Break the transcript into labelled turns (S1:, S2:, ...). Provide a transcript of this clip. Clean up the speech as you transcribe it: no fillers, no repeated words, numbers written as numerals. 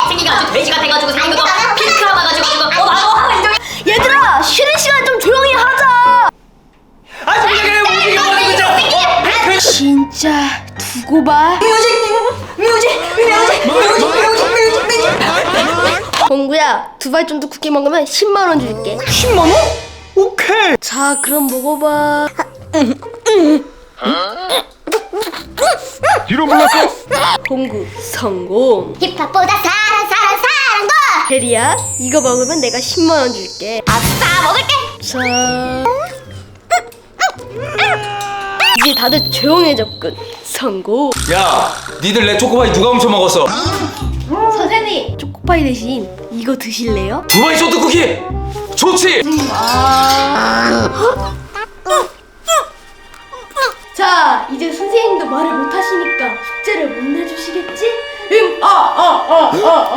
S1: 생기가 아주 돼지가 돼가지고 생긴 거 핑크가 와가지고 나도 인정해.
S2: 얘들아, 쉬는 시간 좀 조용히 하자.
S3: 아주 그냥 움직여버리고 있잖아.
S2: 진짜 두고 봐.
S1: 뮤직.
S2: 봉구야, 두발 정도 쿠키 먹으면 10만 원 줄게.
S3: 10만 원? 오케이.
S2: 자, 그럼 먹어봐.
S3: 뒤로 물렀어.
S2: 봉구 성공.
S4: 힙합보다 사랑도
S2: 대리야, 이거 먹으면 내가 10만 원 줄게.
S4: 아싸 먹을게.
S2: 자, 이제 다들 조용해졌군. 성공.
S3: 야, 니들 내 초코바이 누가 훔쳐 먹었어?
S2: 선생님, 초코파이 대신 이거 드실래요?
S3: 두바이 쇼트 쿠키. 좋지.
S2: 자, 이제 선생님도 말을 못 하시니까 숙제를 못 내주시겠지?